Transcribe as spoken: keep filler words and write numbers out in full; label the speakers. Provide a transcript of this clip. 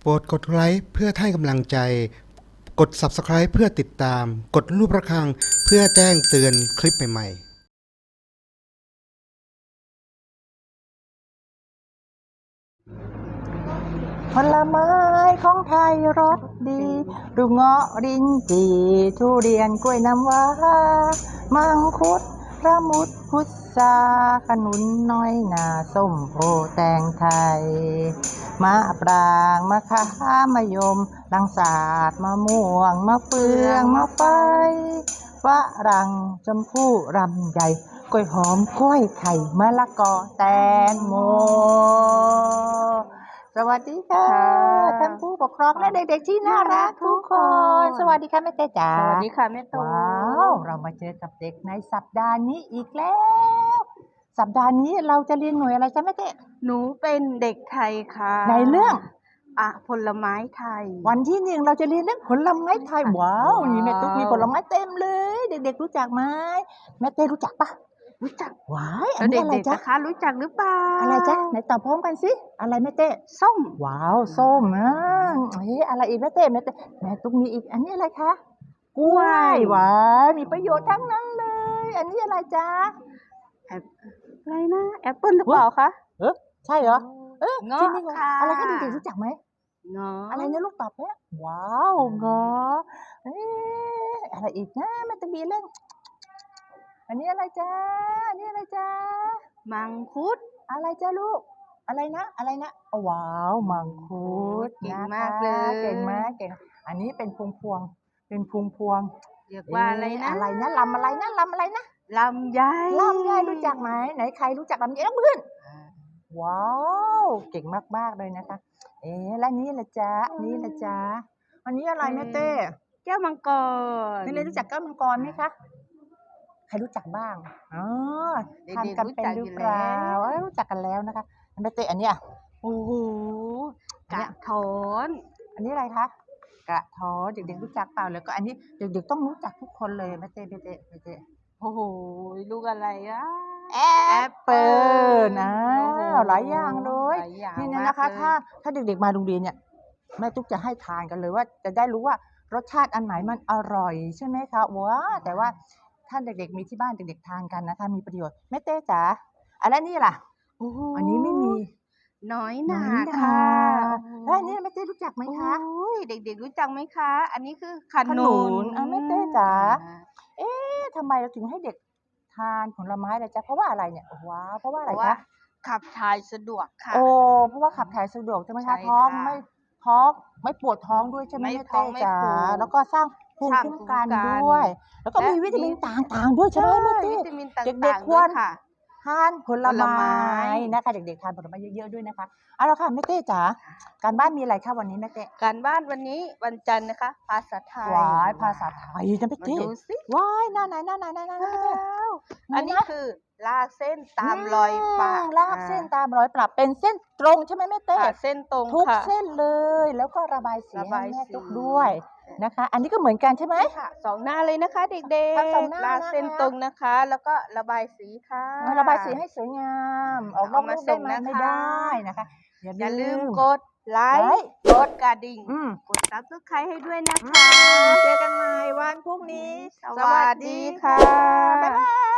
Speaker 1: โปรดกดไลค์เพื่อให้กำลังใจ กด ซับสไครบ์ เพื่อติดตาม กดรูประฆังเพื่อแจ้งเตือนคลิปใหม่ๆ
Speaker 2: ผลไม้ของไทยรสดีดูเงาะรินจีทุเรียนกล้วยน้ำว้ามังคุดระมุดพุทราขนุนน้อยนาส้มโอแตงไทยมะปรางมะขามมะยมลังสาดมะม่วงมะเฟืองมะไฟฝรั่งชมพู่รำใหญ่กล้วยหอมกล้วยไข่มะละกอแตงโมสวัสดีค่ะท่านผู้ปกครองและเด็กๆที่น่ารักทุกคนสวัสดีค่ะแม่เต้จ๋า
Speaker 3: สวัสดีค่ะแม่ตู
Speaker 2: ว้าวเรามาเจอกับเด็กในสัปดาห์นี้อีกแล้ว สัปดาห์นี้เราจะเรียนหน่วยอะไรจ๊ะแม่เต้
Speaker 3: หนูเป็นเด็กไทยค่ะ
Speaker 2: ในเรื่อง
Speaker 3: อ่ะผลไม้ไทย
Speaker 2: วันที่หนึ่งเราจะเรียนเรื่องผลไม้ไทยว้าวนี่แม่ตุ๊กมีผลไม้เต็มเลย เด็กๆรู้จักไหมแม่เต้รู้จักปะ
Speaker 3: รู้จัก
Speaker 2: ว้ายอั
Speaker 3: แล้
Speaker 2: น
Speaker 3: ว
Speaker 2: นี้
Speaker 3: เด็
Speaker 2: อะไร
Speaker 3: กๆ
Speaker 2: จ๊ะ
Speaker 3: นะคะรู้จักหรือเปล่า
Speaker 2: อะไรจ๊ะไหนตอบพร้อมกันสิอะไรแม่เต้
Speaker 3: ส้ม
Speaker 2: ว้าวส้มอ่ะเฮ้ยอะไรอีกแม่เต้แม่เต้แม่ตุ๊กมีอีกอันนี้อะไรคะกล้วยว้ายมีประโยชน์ทั้งนั้นเลย อันนี้อะไรจ๊ะ
Speaker 3: แอปอะไรนะแอปเปิ้ลหรือเปล่าคะ
Speaker 2: เออใช่เหรอเออ
Speaker 3: เงาะ
Speaker 2: ที่นี่เงาะ
Speaker 3: ค่ะ
Speaker 2: อะไรคะเด็กๆรู้จักไหม
Speaker 3: เงาะ
Speaker 2: อะไรเนี่ยลูกตอบแพ้ว้าวเงาะเอ๊ะอะไรอีกนะมันจะมีเรื่องอันนี้อะไรจ๊ะอันนี้อะไรจ๊ะ
Speaker 3: มังคุด
Speaker 2: อะไรจ๊ะลูกอะไรนะอะไรนะอ๋อว้าวมังคุด
Speaker 3: เก่ง
Speaker 2: นะคะ
Speaker 3: มากเลย
Speaker 2: เก่งมากเก่งอันนี้เป็นพวงพวงๆเป็นพวงพวง
Speaker 3: เรียก
Speaker 2: ๆ
Speaker 3: ว่าอะไรนะ
Speaker 2: เอะไรนะลำอะไรนะลำอะไรนะ
Speaker 3: ลำไย
Speaker 2: ลำไยรู้จักไหมไหนใครรู้จักลำไยยกมือขึ้น ว้าวเก่งมากๆเลยนะคะ เอ๊ะแล้วนี่ละจ๊ะนี่ละจ๊ะอันนี้อะไรแม่เต้
Speaker 3: แก้วมังกร
Speaker 2: นี่เลยรู้จักแก้วมังกรไหมคะใครรู้จักบ้างอ๋อ
Speaker 3: เด็กๆ
Speaker 2: ทานกันเป็นหรือเปล่า
Speaker 3: รู้จักอยู่แล้ว
Speaker 2: เอ้ยรู้จักกันแล้วนะคะแม่เต้อันเนี้ย
Speaker 3: โอ้โหกระถอน
Speaker 2: อันนี้อะไรคะกระท้อนเด็กๆรู้จักเปล่าแล้วก็อันนี้เด็กๆต้องรู้จักทุกคนเลยแม่เต้แม่เต้แม่เต้
Speaker 3: โอ้โหลูกอะไรอ่ะ
Speaker 2: แอปเปิลนะ
Speaker 3: โอ้โห
Speaker 2: หลายอย่างเลย
Speaker 3: หลายอย่าง
Speaker 2: นี่
Speaker 3: มาก
Speaker 2: นะคะ
Speaker 3: เลย
Speaker 2: ถ้าถ้าเด็กๆมาโรงเรียนเนี่ยแม่ตุ๊กจะให้ทานกันเลยว่าจะได้รู้ว่ารสชาติอันไหนมันอร่อยใช่ไหมคะว้าแต่ว่าถ้าเด็กๆมีที่บ้านเด็กๆทานกันนะคะมีประโยชน์แม่เต้จ๋าอันนั้นนี่ล่ะ
Speaker 3: โอ้โห
Speaker 2: อันนี้ไม่มี
Speaker 3: น้อยห
Speaker 2: น้
Speaker 3: นา
Speaker 2: อยหนา
Speaker 3: ค่ะ
Speaker 2: แล้วอันนี้แม่เต้รู้จักไหมคะ
Speaker 3: โอ้ยเด็กๆรู้จักไหมคะ อันนี้คือข
Speaker 2: ขนุ
Speaker 3: นุ
Speaker 2: น
Speaker 3: น
Speaker 2: อ่ะแม่เต้จ๋า เอ๊ะทำไมเราถึงให้เด็กทานผลไม้ล่ะจ๊ะเพราะว่าอะไรเนี่ยว้าวเพราะว่าอะ
Speaker 3: เพ
Speaker 2: ไร
Speaker 3: ราะว่า
Speaker 2: คะ
Speaker 3: ขับถ่ายสะดวกค่ะ
Speaker 2: โอ้เพราะว่าขับถ่ายสะดวกใช่ไหม
Speaker 3: ใช่
Speaker 2: คะท้อง
Speaker 3: ค่ะ
Speaker 2: ไม่ท้องไม่ปวดท้องด้วยใช่ไหม
Speaker 3: ไม่
Speaker 2: แม่
Speaker 3: ท้อ
Speaker 2: เต้
Speaker 3: งไม่
Speaker 2: จ๋า
Speaker 3: ผูก
Speaker 2: แล้วก็สร้างภูมิ
Speaker 3: สร้าง
Speaker 2: คุ้มกัน
Speaker 3: ภูมิคุ้มกัน
Speaker 2: ด้วย แล้วก็
Speaker 3: และ
Speaker 2: มีวิตามิน
Speaker 3: มี
Speaker 2: ต่างๆด้วยใช่ไหมแม่เต้
Speaker 3: วิตามินต่างๆ
Speaker 2: เด็กๆควร
Speaker 3: ด้วยค่ะ
Speaker 2: ทานผล
Speaker 3: ผลไม้
Speaker 2: ไม้นะคะเด็กๆทานผลไม้เยอะๆด้วยนะคะเอาละค่ะแม่เต้จ๋าการบ้านมีอะไรคะวันนี้แม่เต้
Speaker 3: การบ้านวันนี้วันจันทร์นะคะ ภาษาไทย
Speaker 2: ว้ายภาษาไทยนะแม่
Speaker 3: มา
Speaker 2: เต้
Speaker 3: ดูสิ
Speaker 2: ว้ายหน้าไหนหน้าไหนหน้าไหนหน้าไหนแม่เต้
Speaker 3: ว้าว
Speaker 2: ไหน
Speaker 3: อันนี้
Speaker 2: นะ
Speaker 3: คือลากเส้นตามรอยปะ
Speaker 2: มลากเส้นตามรอยปรับเป็นเส้นตรงใช่ไหมแม่เต้
Speaker 3: ค่ะเส้นตรง
Speaker 2: ทุก
Speaker 3: ค่ะ
Speaker 2: เส้นเลย แล้วก็ระบายสี
Speaker 3: ระ
Speaker 2: ให้
Speaker 3: บาย
Speaker 2: แม่
Speaker 3: สี
Speaker 2: ตุ๊กด้วยนะคะ อันนี้ก็เหมือนกันใช่ไหม
Speaker 3: ใช่ค่ะสองหน้าเลยนะคะเด็ก
Speaker 2: ทั้งสองหน้า
Speaker 3: ลาก
Speaker 2: นะคะ
Speaker 3: เส้นตรงนะคะ แล้วก็ระบายสีค่ะ
Speaker 2: ระบายสีให้สวยงาม ออกนอก
Speaker 3: เอามา
Speaker 2: รูปได้ไหม
Speaker 3: ส่งนะคะ
Speaker 2: ไม่ได้นะคะ
Speaker 3: อย่าลืมกดไล
Speaker 2: ไล
Speaker 3: ค์
Speaker 2: ค์
Speaker 3: กดกระดิ่ง
Speaker 2: อืม
Speaker 3: กดซับสไครต์ให้ด้วยนะ
Speaker 2: อื
Speaker 3: คะ
Speaker 2: มเจอกันใหม่วันพรุ่งนี้
Speaker 3: สวัสดีค่ะ
Speaker 2: บ๊ายบาย